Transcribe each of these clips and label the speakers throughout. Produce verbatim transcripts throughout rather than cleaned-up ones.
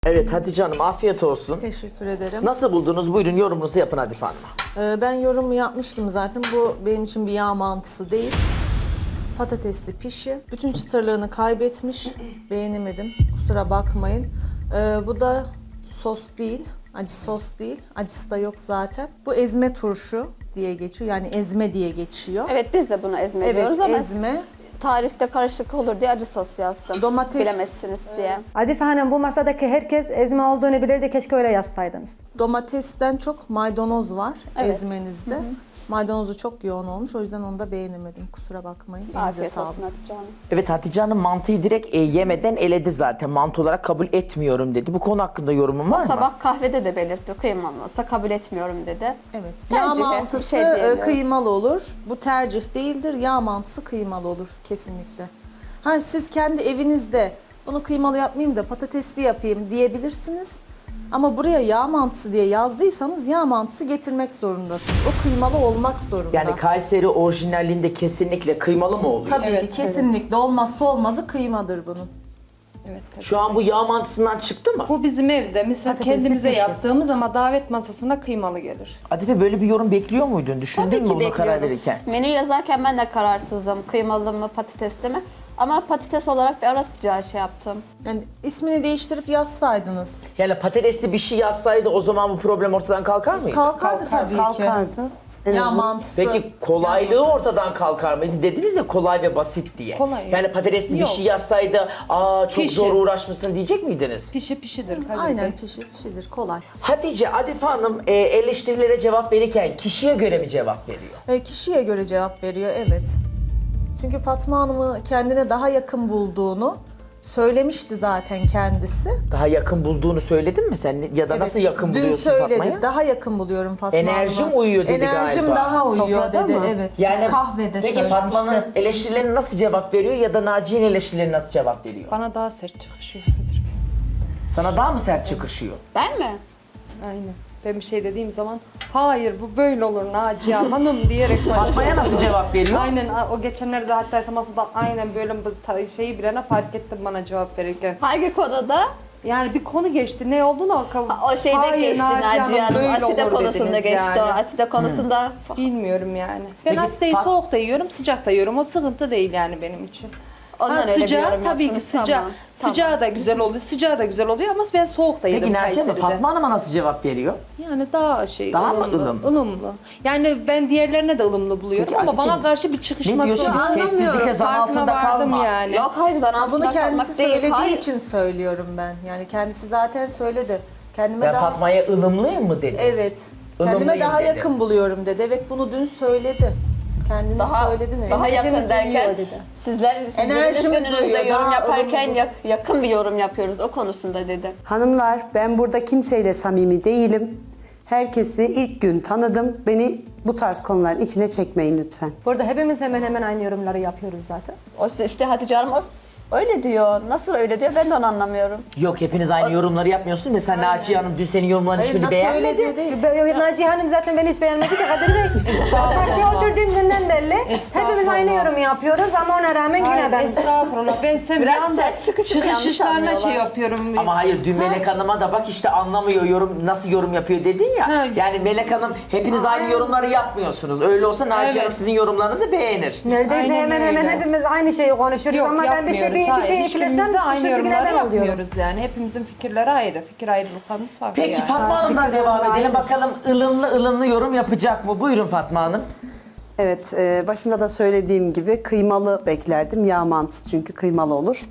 Speaker 1: Evet Hatice Hanım afiyet olsun.
Speaker 2: Teşekkür ederim.
Speaker 1: Nasıl buldunuz? Buyurun yorumunuzu yapın Hatice Hanım'a.
Speaker 2: Ee, ben yorumu yapmıştım zaten. Bu benim için bir yağ mantısı değil. Patatesli pişi. Bütün çıtırlığını kaybetmiş. Beğenemedim. Kusura bakmayın. Ee, bu da sos değil. Acı sos değil. Acısı da yok zaten. Bu ezme turşu diye geçiyor. Yani ezme diye geçiyor.
Speaker 3: Evet biz de bunu ezme
Speaker 2: Evet,
Speaker 3: diyoruz ama
Speaker 2: ezme.
Speaker 3: tarifte karışık olur diye acı sos yazdım.
Speaker 2: Domates-
Speaker 3: Bilemezsiniz diye.
Speaker 4: Adife Hanım bu masadaki herkes ezme olduğunu bilirdi. Keşke öyle yazsaydınız.
Speaker 2: Domatesten çok maydanoz var
Speaker 3: Evet.
Speaker 2: ezmenizde. Maydanozu çok yoğun olmuş. O yüzden onu da beğenemedim. Kusura bakmayın. Elinize
Speaker 3: Afiyet
Speaker 2: sağlık.
Speaker 3: olsun Hatice Hanım.
Speaker 1: Evet Hatice Hanım mantıyı direkt e, yemeden eledi zaten. Mantı olarak kabul etmiyorum dedi. Bu konu hakkında yorumun var
Speaker 3: O
Speaker 1: mı?
Speaker 3: sabah kahvede de belirtti. Kıymalı olsa kabul etmiyorum dedi.
Speaker 2: Evet.
Speaker 3: Tercih,
Speaker 2: Yağ
Speaker 3: bir
Speaker 2: mantısı
Speaker 3: şey
Speaker 2: e,
Speaker 3: diyemiyorum.
Speaker 2: kıymalı olur. Bu tercih değildir. Yağ mantısı kıymalı olur kesinlikle. Ha siz kendi evinizde bunu kıymalı yapmayayım da patatesli yapayım diyebilirsiniz. Ama buraya yağ mantısı diye yazdıysanız yağ mantısı getirmek zorundasınız. O kıymalı olmak zorunda.
Speaker 1: Yani Kayseri orijinalinde kesinlikle kıymalı mı oluyor?
Speaker 2: Tabii ki kesinlikle olmazsa olmazı kıymadır bunun.
Speaker 5: Evet, tabii.
Speaker 1: Şu an bu yağ mantısından çıktı mı?
Speaker 5: Bu bizim evde mesela
Speaker 4: Patatesli
Speaker 5: kendimize
Speaker 4: pişi.
Speaker 5: yaptığımız ama davet masasına kıymalı gelir.
Speaker 1: Adife böyle bir yorum bekliyor muydun? Düşündün
Speaker 3: Tabii
Speaker 1: mü
Speaker 3: ki
Speaker 1: bunu karar
Speaker 3: bekliyordum.
Speaker 1: verirken?
Speaker 3: Menü yazarken ben de kararsızdım. Kıymalı mı patatesli mi? Ama patates olarak bir ara sıcağı şey yaptım.
Speaker 2: Yani ismini değiştirip yazsaydınız.
Speaker 1: Yani patatesli bir şey yazsaydı o zaman bu problem ortadan kalkar mıydı?
Speaker 2: Kalkardı tabii ki.
Speaker 4: Kalkardı. En
Speaker 2: Yağ
Speaker 4: azından.
Speaker 2: mantısı.
Speaker 1: Peki kolaylığı
Speaker 2: yazmasaydı.
Speaker 1: ortadan kalkar mıydı? Dediniz ya kolay ve basit diye.
Speaker 5: Kolay.
Speaker 1: Yani patatesli bir
Speaker 5: Yok.
Speaker 1: şey yazsaydı aa çok
Speaker 5: Pişi.
Speaker 1: zor uğraşmışsın diyecek miydiniz?
Speaker 5: Pişi pişidir Kadir
Speaker 2: Aynen
Speaker 5: Bey.
Speaker 2: pişi pişidir kolay.
Speaker 1: Hatice, Adife Hanım e, eleştirilere cevap verirken kişiye göre mi cevap veriyor?
Speaker 2: E, kişiye göre cevap veriyor, evet. Çünkü Fatma Hanım'ı kendine daha yakın bulduğunu söylemişti zaten kendisi.
Speaker 1: Daha yakın bulduğunu söyledin mi sen? Ya da nasıl
Speaker 2: Evet,
Speaker 1: yakın
Speaker 2: dün
Speaker 1: buluyorsun
Speaker 2: söyledi,
Speaker 1: Fatma'ya?
Speaker 2: daha yakın buluyorum Fatma Hanım'a.
Speaker 1: Enerjim uyuyor dedi
Speaker 2: Enerjim
Speaker 1: galiba.
Speaker 2: daha uyuyor
Speaker 4: Sofrada
Speaker 2: dedi,
Speaker 4: mı?
Speaker 2: evet.
Speaker 1: Yani
Speaker 2: Kahvede
Speaker 1: peki
Speaker 2: söylemişti.
Speaker 1: Fatma'nın eleştirilerine nasıl cevap veriyor ya da Naciye'nin eleştirilerine nasıl cevap veriyor?
Speaker 5: Bana daha sert çıkışıyor Kadir Bey.
Speaker 1: Sana daha mı sert çıkışıyor?
Speaker 3: Ben mi?
Speaker 5: Aynen. Ben bir şey dediğim zaman hayır bu böyle olur Naciye Hanım diyerek
Speaker 1: Fatma'ya nasıl cevap veriyor?
Speaker 5: Aynen o geçenlerde hatta masada aynen böyle bu ta- şeyi bilene fark ettim bana cevap verirken.
Speaker 3: Hangi konuda?
Speaker 5: Yani bir konu geçti ne olduğunu o,
Speaker 3: O şeyde
Speaker 5: Hayır,
Speaker 3: geçti Naciye Hanım.
Speaker 5: böyle
Speaker 3: Aside
Speaker 5: olur
Speaker 3: konusunda
Speaker 5: dediniz
Speaker 3: geçti
Speaker 5: yani.
Speaker 3: o. Aside konusunda
Speaker 5: Bilmiyorum yani. Ben
Speaker 1: Peki,
Speaker 5: asitayı
Speaker 1: Fat-
Speaker 5: soğuk da yiyorum, sıcak da yiyorum. O sıkıntı değil yani benim için.
Speaker 3: ondan
Speaker 5: Ha,
Speaker 3: öyle bir
Speaker 5: sıcağı
Speaker 3: yorum
Speaker 5: tabii ki
Speaker 3: yaptınız.
Speaker 5: sıcağı.
Speaker 3: Tamam,
Speaker 5: Sıcağı da güzel oluyor. Sıcağı da güzel oluyor ama ben soğuk da yedim
Speaker 1: Peki Naciye Hanım,
Speaker 5: Kayseri'de.
Speaker 1: Fatma Hanım'a nasıl cevap veriyor?
Speaker 5: Yani daha şey
Speaker 1: Daha mı
Speaker 5: ılımlı,
Speaker 1: ılımlı?
Speaker 5: ılımlı. Yani ben diğerlerine de ılımlı buluyorum
Speaker 1: Peki,
Speaker 5: ama
Speaker 1: Adife,
Speaker 5: bana karşı bir çıkışması
Speaker 1: ne diyorsun? Biz
Speaker 5: var.
Speaker 1: sessizlikle zan
Speaker 5: Farkına
Speaker 1: altında
Speaker 5: vardım
Speaker 1: kalma.
Speaker 5: yani.
Speaker 3: Yok hayır zan
Speaker 2: Ama
Speaker 3: altında
Speaker 2: bunu kendisi
Speaker 3: kalmak değil.
Speaker 2: söylediği
Speaker 3: Hayır.
Speaker 2: için söylüyorum ben. Yani kendisi zaten söyledi. Kendime
Speaker 1: Ben
Speaker 2: daha...
Speaker 1: Fatma'ya ılımlıyım mı dedi?
Speaker 2: Evet.
Speaker 1: Ilımlıyım
Speaker 2: Kendime daha
Speaker 1: dedi.
Speaker 2: yakın buluyorum dedi. Evet bunu dün söyledi. Kendiniz
Speaker 3: Daha,
Speaker 2: söyledi ne?
Speaker 3: daha yakın
Speaker 4: Enerjimiz
Speaker 3: derken
Speaker 4: uyuyor dedi.
Speaker 3: sizler sizlerin
Speaker 2: Enerjimiz
Speaker 3: üstünüzde
Speaker 2: uyuyor,
Speaker 3: yorum
Speaker 2: daha
Speaker 3: yaparken
Speaker 2: ılımlı.
Speaker 3: yak- yakın bir yorum yapıyoruz o konusunda dedi.
Speaker 6: Hanımlar, ben burada kimseyle samimi değilim. Herkesi ilk gün tanıdım. Beni bu tarz konuların içine çekmeyin lütfen.
Speaker 4: Burada hepimiz hemen hemen aynı yorumları yapıyoruz zaten.
Speaker 3: O işte Hatice Hanım o- öyle diyor. Nasıl öyle diyor ben de onu anlamıyorum.
Speaker 1: Yok hepiniz aynı yorumları yapmıyorsunuz. Mesela Naciye Hanım dün senin yorumların
Speaker 2: Hayır,
Speaker 1: hiçbirini
Speaker 2: nasıl öyle
Speaker 1: beğenmedi.
Speaker 2: diyor değil.
Speaker 4: Ben- Naciye Hanım zaten beni hiç beğenmedi ki Kadir Bey. Masaya oturduğum günden belli.
Speaker 5: Estağfurullah.
Speaker 4: Hepimiz aynı yorumu yapıyoruz ama ona rağmen yine
Speaker 5: Hayır,
Speaker 4: ben...
Speaker 5: estağfurullah. Ben sen bir
Speaker 3: Biraz
Speaker 5: anda
Speaker 3: sert çıkışıp yanlış
Speaker 5: çıkışlarına şey
Speaker 3: anlıyorlar.
Speaker 5: yapıyorum.
Speaker 1: Ama hayır dün Melek Hanım'a da bak işte anlamıyor yorum nasıl yorum yapıyor dedin ya.
Speaker 5: Ha.
Speaker 1: Yani Melek Hanım hepiniz aynı yorumları yapmıyorsunuz. Öyle olsa Naciye
Speaker 5: Evet.
Speaker 1: Hanım sizin yorumlarınızı beğenir.
Speaker 4: Neredeyse
Speaker 5: Aynen
Speaker 4: hemen hemen
Speaker 5: öyle.
Speaker 4: hepimiz aynı şeyi konuşuyoruz
Speaker 5: Yok
Speaker 4: ama ben bir şey bir, bir
Speaker 5: yapmıyoruz.
Speaker 4: şey
Speaker 5: Hayır,
Speaker 4: eklesem
Speaker 5: hiçbirimiz de aynı
Speaker 4: suçlusu yine
Speaker 5: yorumları
Speaker 4: ben oluyorum.
Speaker 5: yapmıyoruz yani. Hepimizin fikirleri ayrı. Fikir ayrılıklarımız farklı
Speaker 1: Peki
Speaker 5: yani.
Speaker 1: Fatma Hanım'dan devam edelim. Bakalım ılımlı ılımlı yorum yapacak mı? Buyurun Fatma Hanım.
Speaker 6: Evet, e, başında da söylediğim gibi kıymalı beklerdim. Yağ mantısı çünkü kıymalı olur.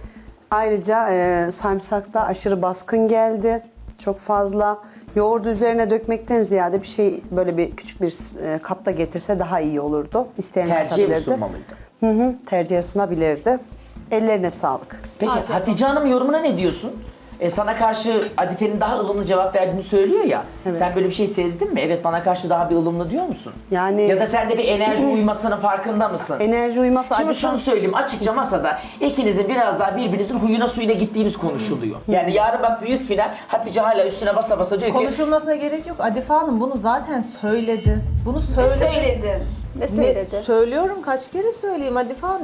Speaker 6: Ayrıca e, sarımsak da aşırı baskın geldi. Çok fazla. Yoğurdu üzerine dökmekten ziyade bir şey böyle bir küçük bir e, kapta getirse daha iyi olurdu. İsteyen
Speaker 1: Tercihe mi
Speaker 6: katabilirdi.
Speaker 1: sunmalıydı?
Speaker 6: Hı hı, tercihe sunabilirdi. Ellerine sağlık.
Speaker 1: Peki Hatice Hanım yorumuna ne diyorsun? E, sana karşı Adife'nin daha ılımlı cevap verdiğini söylüyor ya.
Speaker 6: Evet.
Speaker 1: Sen böyle bir şey sezdin mi? Evet bana karşı daha bir ılımlı diyor musun?
Speaker 6: Yani-
Speaker 1: Ya da sende bir enerji uymasının farkında mısın?
Speaker 6: Enerji uyması
Speaker 1: Şimdi
Speaker 6: Adife-
Speaker 1: şunu söyleyeyim açıkça masada ikinizin biraz daha birbirinizin huyuna suyuna gittiğiniz konuşuluyor. Yani yarın bak büyük final Hatice hala üstüne basa basa diyor ki
Speaker 2: Konuşulmasına gerek yok. Adife Hanım bunu zaten söyledi. Bunu söyledi.
Speaker 3: Ne söyledim? Ne
Speaker 2: Ne,
Speaker 3: söyledi?
Speaker 2: söylüyorum kaç kere söyleyeyim Adife Hanım.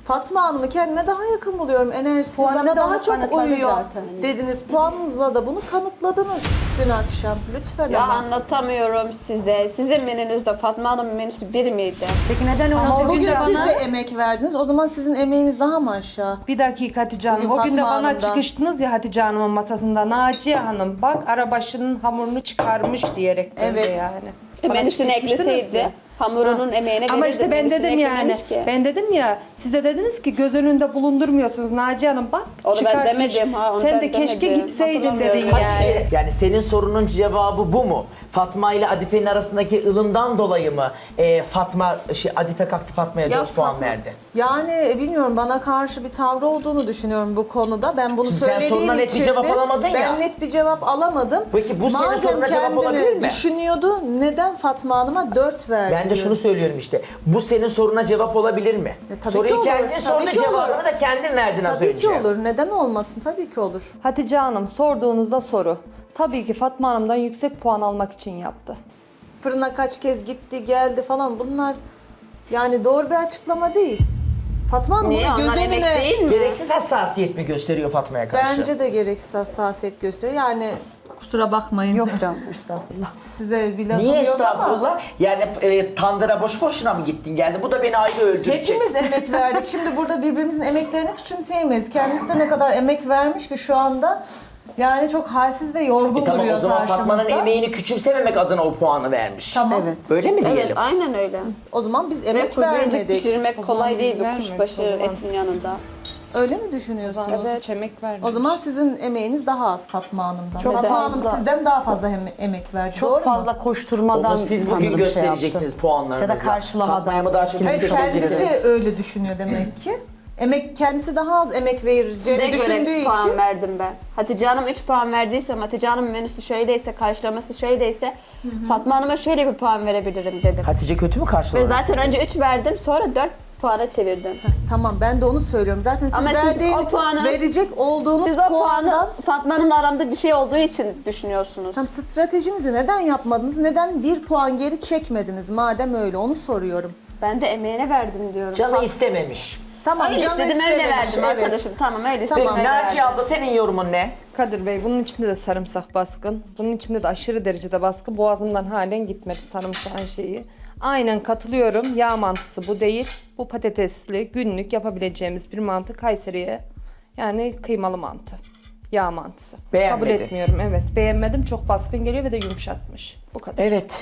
Speaker 2: Fatma Hanım'ı kendime daha yakın buluyorum. Enerjisi
Speaker 4: Puanını
Speaker 2: bana
Speaker 4: da
Speaker 2: daha
Speaker 4: onu
Speaker 2: çok
Speaker 4: kanıtladı
Speaker 2: uyuyor
Speaker 4: zaten.
Speaker 2: dediniz. Puanınızla da bunu kanıtladınız dün akşam. Lütfen
Speaker 3: Ya
Speaker 2: ama.
Speaker 3: anlatamıyorum size. Sizin menünüzde Fatma Hanım'ın menüsü bir miydi?
Speaker 4: Peki neden onu
Speaker 2: Ama
Speaker 4: çok
Speaker 2: bugün
Speaker 4: güzel-
Speaker 2: siz de emek verdiniz. O zaman sizin emeğiniz daha mı aşağı?
Speaker 5: Bir dakika Hatice Hanım.
Speaker 2: Bugün
Speaker 5: O gün de
Speaker 2: Fatma
Speaker 5: bana
Speaker 2: Hanım'dan.
Speaker 5: çıkıştınız ya Hatice Hanım'ın masasında. Naciye Hanım bak arabaşının hamurunu çıkarmış diyerek
Speaker 2: Evet.
Speaker 5: böyle yani.
Speaker 3: E,
Speaker 5: Bana
Speaker 3: menüsünü
Speaker 5: çıkmıştınız
Speaker 3: ekleseydi.
Speaker 5: ya.
Speaker 3: Hamurunun emeğine
Speaker 5: Ama
Speaker 3: verirdi,
Speaker 5: işte ben
Speaker 3: menüsüne
Speaker 5: dedim yani,
Speaker 3: eklememiş ki.
Speaker 5: ben dedim ya, siz de dediniz ki göz önünde bulundurmuyorsunuz Naciye Hanım bak
Speaker 3: Onu ben
Speaker 5: çıkartmış.
Speaker 3: demedim ha, onu
Speaker 5: Sen
Speaker 3: ben
Speaker 5: de keşke
Speaker 3: demedim.
Speaker 5: gitseydin dedin
Speaker 3: Hatırlamıyorum.
Speaker 5: yani.
Speaker 1: Hatice, yani senin sorunun cevabı bu mu? Fatma ile Adife'nin arasındaki ılımdan dolayı mı e, Fatma, şey, Adife kalktı Fatma'ya
Speaker 3: Ya
Speaker 1: dört puan
Speaker 3: Fatma-
Speaker 1: verdi?
Speaker 2: Yani e, bilmiyorum, bana karşı bir tavrı olduğunu düşünüyorum bu konuda. Ben bunu
Speaker 1: Şimdi sen
Speaker 2: söylediğim
Speaker 1: soruna net bir
Speaker 2: içindir.
Speaker 1: cevap alamadın
Speaker 2: ben
Speaker 1: ya.
Speaker 2: net bir cevap alamadım.
Speaker 1: Peki bu senin
Speaker 2: Madem
Speaker 1: soruna cevap olabilir
Speaker 2: kendini
Speaker 1: mi?
Speaker 2: düşünüyordu, neden Fatma Hanım'a dört verdi?
Speaker 1: Ben de şunu söylüyorum işte. Bu senin soruna cevap olabilir mi?
Speaker 2: E, tabii
Speaker 1: Soruyu
Speaker 2: ki olur,
Speaker 1: kendin
Speaker 2: tabii
Speaker 1: sordun,
Speaker 2: ki olur.
Speaker 1: cevabını da kendin verdin az
Speaker 2: Tabii
Speaker 1: önce.
Speaker 2: ki olur. Neden olmasın? Tabii ki olur.
Speaker 5: Hatice Hanım sorduğunuzda soru. Tabii ki Fatma Hanım'dan yüksek puan almak için yaptı.
Speaker 2: Fırına kaç kez gitti, geldi falan, bunlar yani doğru bir açıklama değil. Fatma Hanım
Speaker 3: Niye?
Speaker 2: bunu göz
Speaker 3: Onlar emek
Speaker 2: önüne...
Speaker 3: değil mi?
Speaker 1: Gereksiz hassasiyet mi gösteriyor Fatma'ya karşı?
Speaker 2: Bence de gereksiz hassasiyet gösteriyor. Yani kusura bakmayın.
Speaker 6: Yok canım estağfurullah.
Speaker 2: Size bir lafım
Speaker 1: Niye
Speaker 2: yok ama
Speaker 1: estağfurullah? Yani e, tandıra boş boşuna mı gittin geldin? Bu da beni ayrı öldürecek.
Speaker 2: hepimiz emek verdik. Şimdi burada birbirimizin emeklerini küçümseyemeyiz. Kendisi de ne kadar emek vermiş ki şu anda yani çok halsiz ve yorgun
Speaker 1: E tamam,
Speaker 2: duruyor
Speaker 1: o zaman
Speaker 2: karşımızda.
Speaker 1: Fatma'nın emeğini küçümsememek adına o puanı vermiş.
Speaker 2: Tamam.
Speaker 6: Evet.
Speaker 1: Öyle mi diyelim?
Speaker 3: Evet, aynen öyle.
Speaker 2: O zaman biz
Speaker 3: Ve
Speaker 2: emek
Speaker 3: kuzuyu
Speaker 2: vermedik.
Speaker 3: pişirmek
Speaker 5: O zaman
Speaker 3: kolay
Speaker 5: biz
Speaker 3: değil bir
Speaker 5: vermedik
Speaker 3: kuşbaşı
Speaker 5: o zaman.
Speaker 3: etin yanında.
Speaker 2: Öyle mi düşünüyorsunuz?
Speaker 5: Evet. Hiç emek vermemiş.
Speaker 2: O zaman sizin emeğiniz daha az Fatma Hanım'dan.
Speaker 6: Çok
Speaker 2: Fatma
Speaker 6: fazla.
Speaker 2: Hanım sizden daha fazla hem emek verdi.
Speaker 6: Çok
Speaker 2: Doğru
Speaker 6: fazla
Speaker 2: mu?
Speaker 6: koşturmadan
Speaker 1: Onu siz
Speaker 6: sanırım
Speaker 1: bugün
Speaker 6: şey
Speaker 1: göstereceksiniz
Speaker 6: yaptı.
Speaker 1: puanlarınızla.
Speaker 6: Ya da karşılamadan.
Speaker 1: Fatma'ya mı daha çok
Speaker 2: Hayır,
Speaker 1: yüksek
Speaker 2: kendisi
Speaker 1: vereceksiniz?
Speaker 2: öyle düşünüyor demek ki. Emek kendisi daha az emek
Speaker 3: Size
Speaker 2: vereceğini düşündüğü
Speaker 3: göre puan
Speaker 2: için
Speaker 3: verdim ben. Hatice Hanım üç puan verdiyse, Hatice Hanım'ın menüsü şöyleyse, karşılaması şöyleyse Fatma Hanım'a şöyle bir puan verebilirim dedim.
Speaker 1: Hatice kötü mü
Speaker 3: Ve
Speaker 1: karşıladı?
Speaker 3: zaten önce üç verdim, sonra dört puana çevirdim.
Speaker 2: tamam, ben de onu söylüyorum. Zaten siz
Speaker 3: Ama siz
Speaker 2: verdiğin,
Speaker 3: o puanı-
Speaker 2: verecek olduğunuz
Speaker 3: Siz o
Speaker 2: puandan
Speaker 3: puanı Fatma Hanım'la aramda bir şey olduğu için düşünüyorsunuz.
Speaker 2: tam stratejinizi neden yapmadınız? Neden bir puan geri çekmediniz? Madem öyle, onu soruyorum.
Speaker 3: Ben de emeğine verdim diyorum.
Speaker 1: Canı istememiş.
Speaker 2: Tamam,
Speaker 3: Öyle
Speaker 2: canı
Speaker 3: istedim, öyle
Speaker 2: istememiş,
Speaker 3: verdim
Speaker 2: evet.
Speaker 3: arkadaşım. Tamam, öyle
Speaker 1: Peki
Speaker 3: istedim, öyle
Speaker 1: Naciye
Speaker 3: verdim.
Speaker 1: abla, senin yorumun ne?
Speaker 5: Kadir Bey bunun içinde de sarımsak baskın. Bunun içinde de aşırı derecede baskın. Boğazımdan halen gitmedi sarımsağın şeyi. Aynen katılıyorum. Yağ mantısı bu değil. Bu patatesli günlük yapabileceğimiz bir mantı Kayseri'ye. Yani kıymalı mantı. Yağ mantısı.
Speaker 1: Beğenmedin.
Speaker 5: Kabul etmiyorum evet. Beğenmedim. Çok baskın geliyor ve de yumuşatmış. Bu kadar.
Speaker 1: Evet.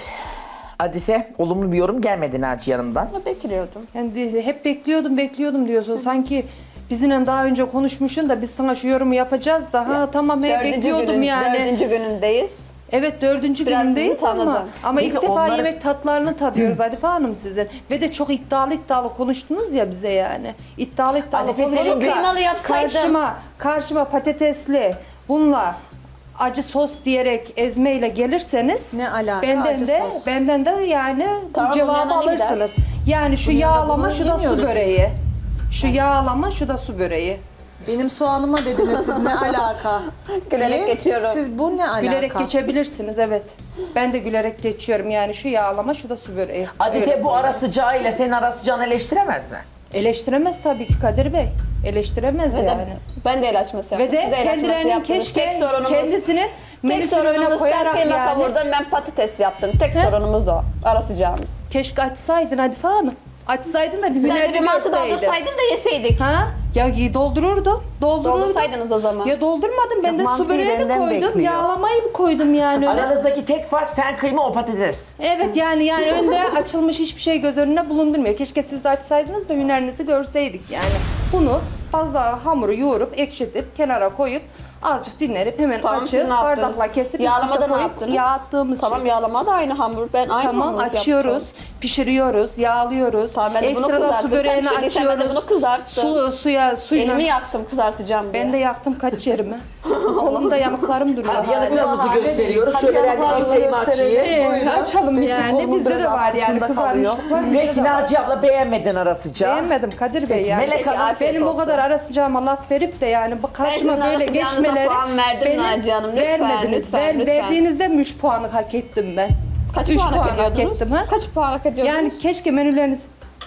Speaker 1: Adife, olumlu bir yorum gelmedi Naciye Hanım'dan.
Speaker 3: Ama bekliyordum.
Speaker 5: Yani de- hep bekliyordum bekliyordum diyorsun. Sanki bizimle daha önce konuşmuşsun da biz sana şu yorumu yapacağız da ha tamam he
Speaker 3: Dördüncü
Speaker 5: bekliyordum
Speaker 3: günün,
Speaker 5: yani.
Speaker 3: Dördüncü günündeyiz.
Speaker 5: Evet dördüncü
Speaker 3: Biraz
Speaker 5: günündeyiz
Speaker 3: sizi
Speaker 5: ama,
Speaker 3: tanıdım.
Speaker 5: ama
Speaker 1: Peki
Speaker 5: ilk defa
Speaker 1: onları-
Speaker 5: yemek tatlarını tadıyoruz Adife Hanım sizin. Ve de çok iddialı iddialı konuştunuz ya bize yani. İddialı iddialı
Speaker 1: Adife, senin
Speaker 5: konuşup da
Speaker 3: kıymalı yapsaydım.
Speaker 5: karşıma, karşıma patatesli bununla acı sos diyerek ezmeyle gelirseniz
Speaker 2: Ne alaka
Speaker 5: benden
Speaker 2: acı
Speaker 5: de
Speaker 2: sos?
Speaker 5: benden de yani bu
Speaker 3: Tamam, bunun
Speaker 5: cevabı
Speaker 3: yanına ne gider?
Speaker 5: alırsınız. Yani şu
Speaker 2: Bunun yanına
Speaker 5: yağlama
Speaker 2: bunu
Speaker 5: şu da su
Speaker 2: yemiyoruz
Speaker 5: böreği. Şu yağlama şu da su böreği.
Speaker 2: Benim soğanıma dediniz siz, ne alaka?
Speaker 3: Gülerek
Speaker 2: diye.
Speaker 3: geçiyorum.
Speaker 2: Siz bu ne alaka?
Speaker 5: Gülerek geçebilirsiniz evet. Ben de gülerek geçiyorum yani şu yağlama şu da su böreği.
Speaker 1: Adife
Speaker 5: Öyle
Speaker 1: bu ara sıcağıyla senin ara sıcağını eleştiremez mi?
Speaker 5: Eleştiremez tabii ki Kadir Bey. Eleştiremez
Speaker 3: Ve de
Speaker 5: yani.
Speaker 3: ben de el açması yaptım.
Speaker 5: Ve de
Speaker 3: siz el açması
Speaker 5: kendilerinin
Speaker 3: yaptınız.
Speaker 5: keşke
Speaker 3: tek sorunumuz,
Speaker 5: kendisini
Speaker 3: tek
Speaker 5: menüsünün önüne
Speaker 3: sorunumuz sen
Speaker 5: koyarak
Speaker 3: kıyma
Speaker 5: yani.
Speaker 3: kavurdun, ben patates yaptım. Tek sorunumuz da o. Ara sıcağımız.
Speaker 5: Keşke açsaydın Adife Hanım. Açsaydın da bir
Speaker 3: Sen de
Speaker 5: hünerini
Speaker 3: bir mantı
Speaker 5: görseydin.
Speaker 3: doldursaydın da yeseydik.
Speaker 5: Ha? Ya y- doldururdum. Doldururdum.
Speaker 3: Doldursaydınız o zaman.
Speaker 5: Ya doldurmadım. Ben
Speaker 6: Ya
Speaker 5: de su
Speaker 6: mantıyı
Speaker 5: böreğini
Speaker 6: benden
Speaker 5: koydum.
Speaker 6: bekliyor.
Speaker 5: Yağlamayı mı koydum yani öyle?
Speaker 1: Aranızdaki tek fark sen kıyma, o patates.
Speaker 5: Evet yani yani önde açılmış hiçbir şey göz önüne bulundurmuyor. Keşke siz de açsaydınız da hünerinizi görseydik yani. Bunu fazla hamuru yoğurup ekşitip kenara koyup azıcık dinlenip hemen
Speaker 3: Tamam, siz
Speaker 5: açıp
Speaker 3: ne yaptınız?
Speaker 5: bardakla kesip üst
Speaker 3: Yağlamada
Speaker 5: üste
Speaker 3: ne
Speaker 5: koyup
Speaker 3: yaptınız?
Speaker 5: yağ attığımız
Speaker 3: Tamam,
Speaker 5: şey.
Speaker 3: yağlama da aynı hamur. Ben aynı
Speaker 5: Tamam
Speaker 3: hamur
Speaker 5: açıyoruz,
Speaker 3: yaptım.
Speaker 5: pişiriyoruz, yağlıyoruz.
Speaker 3: Tamam, ben de bunu
Speaker 5: Ekstradan
Speaker 3: kızarttım.
Speaker 5: su böreğini
Speaker 3: Sen pişirdiysen ben de
Speaker 5: açıyoruz.
Speaker 3: bunu kızarttım.
Speaker 5: Su, suya, suyla.
Speaker 3: Elimi yaktım kızartacağım diye.
Speaker 5: Ben de yaktım kaç yerimi. Kolumda yanıklarım duruyor.
Speaker 1: Hadi
Speaker 5: hala.
Speaker 1: yanıklarımızı
Speaker 2: Hadi
Speaker 1: gösteriyoruz.
Speaker 6: hadi
Speaker 1: Şöyle ben de
Speaker 6: yanıklarımızı
Speaker 1: dirseğimi
Speaker 6: gösterelim.
Speaker 1: açayım.
Speaker 5: Ee, açalım yani.
Speaker 6: kolumun
Speaker 5: Bizde de
Speaker 6: böyle
Speaker 5: var yani
Speaker 6: kısmında kalıyor.
Speaker 5: kızarmışlıklar. bizde
Speaker 1: Peki
Speaker 5: de var.
Speaker 1: Naciye abla, beğenmedin ara sıcağı.
Speaker 5: Beğenmedim Kadir Bey yani.
Speaker 1: Melek Hanım,
Speaker 3: afiyet
Speaker 5: benim
Speaker 3: olsun.
Speaker 5: o kadar ara sıcağıma laf verip de yani bak karşıma
Speaker 3: Ben sizin
Speaker 5: böyle
Speaker 3: ara sıcağınıza
Speaker 5: geçmeleri
Speaker 3: puan verdim Naciye Hanım. Lütfen,
Speaker 5: vermediniz.
Speaker 3: lütfen,
Speaker 5: Ver-
Speaker 3: lütfen.
Speaker 5: Verdiğinizde mi üç puanı hak ettim ben?
Speaker 3: Kaç
Speaker 5: Üç
Speaker 3: puan hak
Speaker 5: puan hak
Speaker 3: ediyordunuz?
Speaker 5: ettim ha?
Speaker 3: Kaç puan hak ediyordunuz?
Speaker 5: Yani keşke menüleriniz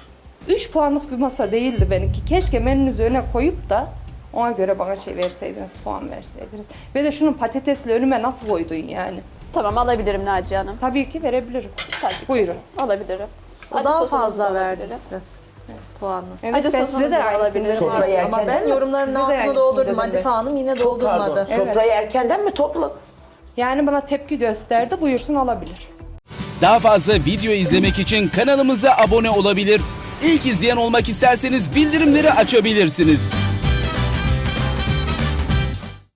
Speaker 5: üç puanlık bir masa değildi benimki. Keşke menünüzü öne koyup da ona göre bana şey verseydiniz, puan verseydiniz. Ve de şunun patatesli önüme nasıl koydun yani?
Speaker 3: Tamam alabilirim Naciye Hanım.
Speaker 5: Tabii ki verebilirim.
Speaker 3: Tabii ki.
Speaker 5: Buyurun.
Speaker 3: Alabilirim.
Speaker 2: O
Speaker 3: Acı
Speaker 2: daha
Speaker 3: sosunuzu da
Speaker 2: fazla verdi
Speaker 3: alabilirim.
Speaker 2: size puanı.
Speaker 5: Evet,
Speaker 3: Acı
Speaker 5: ben
Speaker 3: sosunuzu
Speaker 5: size de
Speaker 3: da
Speaker 5: aynısını
Speaker 3: alabilirim.
Speaker 5: dedim.
Speaker 1: Sofrayı erken
Speaker 2: Ama ben yorumların
Speaker 5: Size de
Speaker 2: altını
Speaker 5: aynısını
Speaker 2: doldurdum.
Speaker 5: dedim
Speaker 2: Hadife
Speaker 5: ben.
Speaker 2: Hanım yine
Speaker 1: Çok pardon.
Speaker 2: doldurmadı.
Speaker 1: Sofrayı erkenden mi topladın?
Speaker 5: Yani bana tepki gösterdi, buyursun alabilir.
Speaker 7: Daha fazla video izlemek için kanalımıza abone olabilir. İlk izleyen olmak isterseniz bildirimleri açabilirsiniz.